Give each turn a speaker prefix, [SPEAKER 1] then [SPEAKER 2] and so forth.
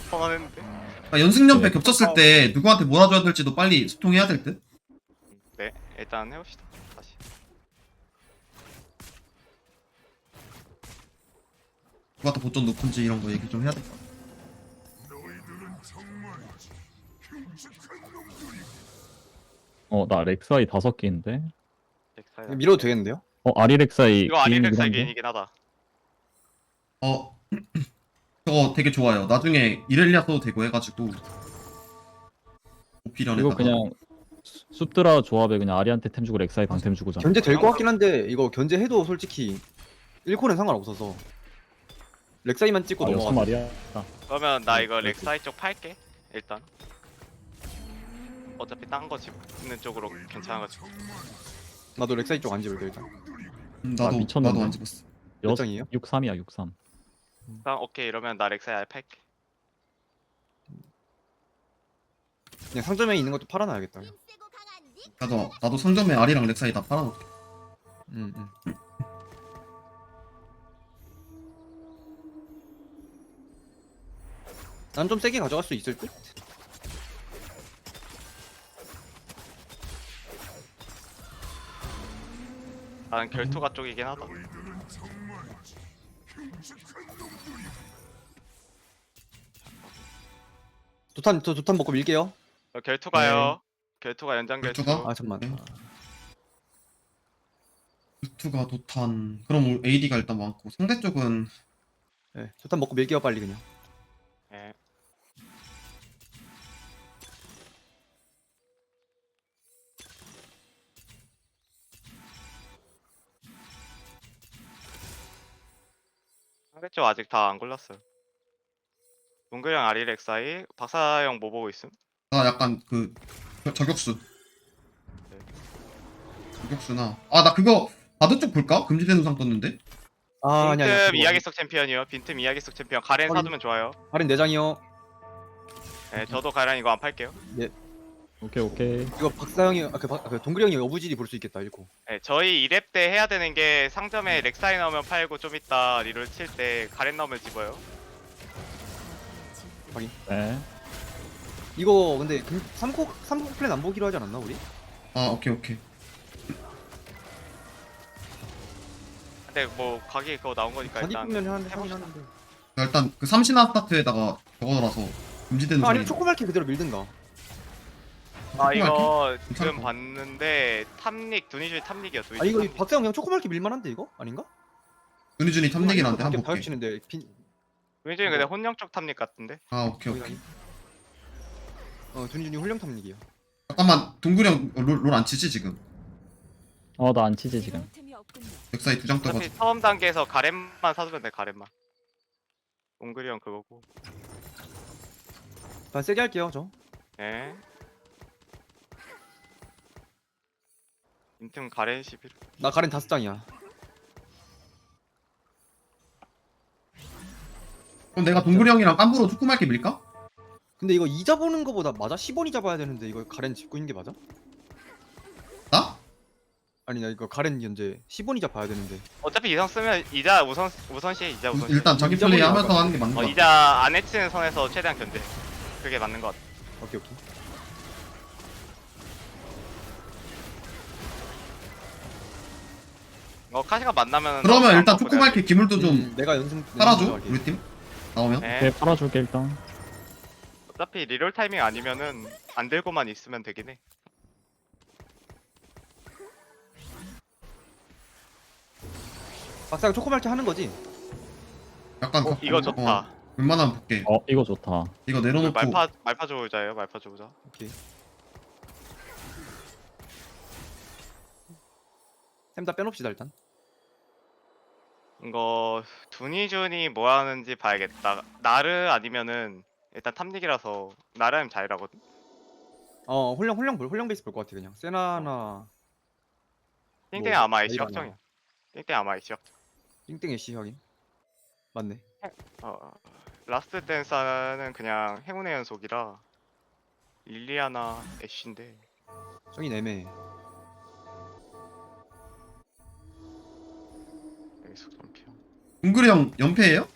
[SPEAKER 1] 뻔했는데.
[SPEAKER 2] 그러니까 연승연패
[SPEAKER 3] 네.
[SPEAKER 2] 겹쳤을 때 누구한테 몰아줘야 될지도 빨리 소통해야 될 듯?
[SPEAKER 1] 네, 일단 해봅시다. 다시.
[SPEAKER 2] 누구한테 보전 높은지 이런 거 얘기 좀 해야 될 것 같아.
[SPEAKER 3] 나 렉사이 5개인데.
[SPEAKER 1] 넥사이.
[SPEAKER 4] 밀어도 되겠는데요?
[SPEAKER 3] 아리 렉사이
[SPEAKER 1] 이거 아리렉사이
[SPEAKER 3] 한데?
[SPEAKER 1] 개인이긴 하다.
[SPEAKER 2] 어, 저거 되게 좋아요. 나중에 이렐리아 써도 되고 해가지고
[SPEAKER 3] 이거
[SPEAKER 2] 오피련에다가
[SPEAKER 3] 그냥 숲드라 조합에 그냥 아리한테 템 주고 렉사이 방템 주고잖아.
[SPEAKER 4] 견제 될 것 같긴 한데 이거 견제해도 솔직히 1코는 상관없어서 렉사이만 찍고
[SPEAKER 3] 6
[SPEAKER 4] 넘어가.
[SPEAKER 3] 마리야.
[SPEAKER 1] 그러면 나 이거
[SPEAKER 3] 그렇지.
[SPEAKER 1] 렉사이 쪽 팔게. 일단. 어차피 딴 거 집는 쪽으로 괜찮아가지고.
[SPEAKER 4] 나도 렉사이 쪽 안 집을게 일단.
[SPEAKER 2] 나도
[SPEAKER 3] 미쳤는데?
[SPEAKER 2] 나도 안 집었어.
[SPEAKER 4] 몇 장이에요?
[SPEAKER 3] 63이야 63.
[SPEAKER 1] 일단 오케이 이러면 나 렉사이 아예 팔게.
[SPEAKER 4] 그냥 상점에 있는 것도 팔아놔야겠다.
[SPEAKER 2] 나도 상점에 아리랑 렉사이 다 팔아놓을게.
[SPEAKER 4] 음. 난 좀 세게 가져갈 수 있을 듯?
[SPEAKER 1] 나는 결투가 쪽이긴 하다.
[SPEAKER 4] 도탄 먹고 밀게요.
[SPEAKER 1] 결투가요. 결투가 연장 결투.
[SPEAKER 2] 결투가?
[SPEAKER 4] 아 잠만.
[SPEAKER 2] 네. 루트가 도탄. 그럼 AD가 일단 많고 상대 쪽은
[SPEAKER 4] 네, 도탄 먹고 밀게요 빨리 그냥.
[SPEAKER 1] 예. 상대 쪽 아직 다 안 골랐어요. 동글형 아리렉사이 박사형 뭐 보고 있음?
[SPEAKER 2] 나 약간 그 저격수. 저격수나 나 그거 바드 쪽 볼까? 금지된 우상 떴는데.
[SPEAKER 4] 아 아니야.
[SPEAKER 1] 빈틈 이야기 속 챔피언이요. 빈틈 이야기 속 챔피언. 가렌
[SPEAKER 4] 확인.
[SPEAKER 1] 사두면 좋아요.
[SPEAKER 4] 할인 4장이요.
[SPEAKER 1] 네, 저도 가렌 이거 안 팔게요.
[SPEAKER 3] 오케이.
[SPEAKER 4] 이거 박사형이 그 동글이 형이 어부질이 볼 수 있겠다 1코.
[SPEAKER 1] 네, 저희 2렙 때 해야 되는 게 상점에 렉사이 나오면 팔고 좀 이따 리롤 칠 때 가렌 나오면 집어요.
[SPEAKER 3] 네.
[SPEAKER 4] 이거 근데 3코 플랜 안 보기로 하지 않았나 우리?
[SPEAKER 2] 오케이.
[SPEAKER 1] 근데 뭐 각이 그거 나온 거니까
[SPEAKER 4] 자기
[SPEAKER 1] 일단
[SPEAKER 4] 보면 하긴
[SPEAKER 1] 해봅시다.
[SPEAKER 4] 하는데.
[SPEAKER 2] 일단 그 삼신화 스타트에다가 적어놔서 금지된 우상이.
[SPEAKER 4] 아니면 초코말키 그대로 밀든가.
[SPEAKER 1] 이거 지금
[SPEAKER 2] 괜찮을 것
[SPEAKER 1] 봤는데 탑닉 두니슈 탑닉이야.
[SPEAKER 4] 아 이거 박사형 그냥 초코말키 밀만한데 이거? 아닌가?
[SPEAKER 2] 눈이준이 탐내긴 한데 한번
[SPEAKER 4] 다이어
[SPEAKER 2] 볼게.
[SPEAKER 4] 치는데
[SPEAKER 1] 두니슈는 근데 혼영 쪽 탑닉 같은데.
[SPEAKER 2] 오케이.
[SPEAKER 4] 두니준이 훌륭 탐닉이야.
[SPEAKER 2] 잠깐만 동구령 롤 안 치지 지금?
[SPEAKER 3] 나 안 치지 지금.
[SPEAKER 2] 렉사이 2장
[SPEAKER 1] 어차피
[SPEAKER 2] 떠가지고.
[SPEAKER 1] 처음 단계에서 가렌만 사두면 돼. 가렌만. 동글이 형 그거고.
[SPEAKER 4] 다 세게 할게요 저.
[SPEAKER 1] 예. 인틈 가렌 11.
[SPEAKER 4] 나 가렌 5장이야.
[SPEAKER 2] 그럼 내가 동구령이랑 깜부로 초코말게 밀까?
[SPEAKER 4] 근데 이거 이자 보는 거보다 맞아? 10원이 잡아야 되는데 이거 가렌 짚고 있는 게 맞아?
[SPEAKER 2] 나?
[SPEAKER 4] 아니 나 이거 가렌 현재 10원이 잡아야 되는데.
[SPEAKER 1] 어차피 이성 쓰면 이자 우선시해. 이자 우선시.
[SPEAKER 2] 일단 자기
[SPEAKER 4] 이자
[SPEAKER 2] 플레이
[SPEAKER 4] 보려고
[SPEAKER 2] 하면서
[SPEAKER 4] 할까?
[SPEAKER 2] 하는 게 맞는 거 같아.
[SPEAKER 1] 이자 안 해치는 선에서 최대한 견제. 그게 맞는 것 같아.
[SPEAKER 4] 오케이.
[SPEAKER 1] 카시가 만나면.
[SPEAKER 2] 그러면 일단 초코말게 기물도 좀
[SPEAKER 4] 내가 연승
[SPEAKER 2] 팔아줘
[SPEAKER 4] 할게.
[SPEAKER 2] 우리 팀 나오면.
[SPEAKER 1] 네.
[SPEAKER 3] 오케이 팔아줄게 일단.
[SPEAKER 1] 어차피 리롤 타이밍 아니면은 안 들고만 있으면 되긴 해.
[SPEAKER 4] 박사형 초코말키 하는 거지?
[SPEAKER 2] 약간
[SPEAKER 1] 이거 좋다.
[SPEAKER 2] 웬만하면 볼게.
[SPEAKER 3] 이거 좋다.
[SPEAKER 2] 이거 내려놓고
[SPEAKER 1] 말파 조우자예요. 말파 조우자.
[SPEAKER 4] 오케이. 템 다 빼놓읍시다 일단.
[SPEAKER 1] 이거 두니준이 뭐 하는지 봐야겠다. 나르 아니면은 일단 탐닉이라서 나르 하면 자이라거든.
[SPEAKER 4] 홀령 베이스 볼 것 같아 그냥. 세나나
[SPEAKER 1] 띵땡
[SPEAKER 4] 뭐,
[SPEAKER 1] 아마
[SPEAKER 4] 자이라나.
[SPEAKER 1] 시각정이야. 띵땡 아마 시각정.
[SPEAKER 4] 띵땡 애쉬 확인. 맞네.
[SPEAKER 1] 라스트 댄서는 그냥 행운의 연속이라 릴리아나 애쉬인데
[SPEAKER 4] 저긴 애매해.
[SPEAKER 1] 여기서 좀 피어.
[SPEAKER 2] 동구령 연패예요?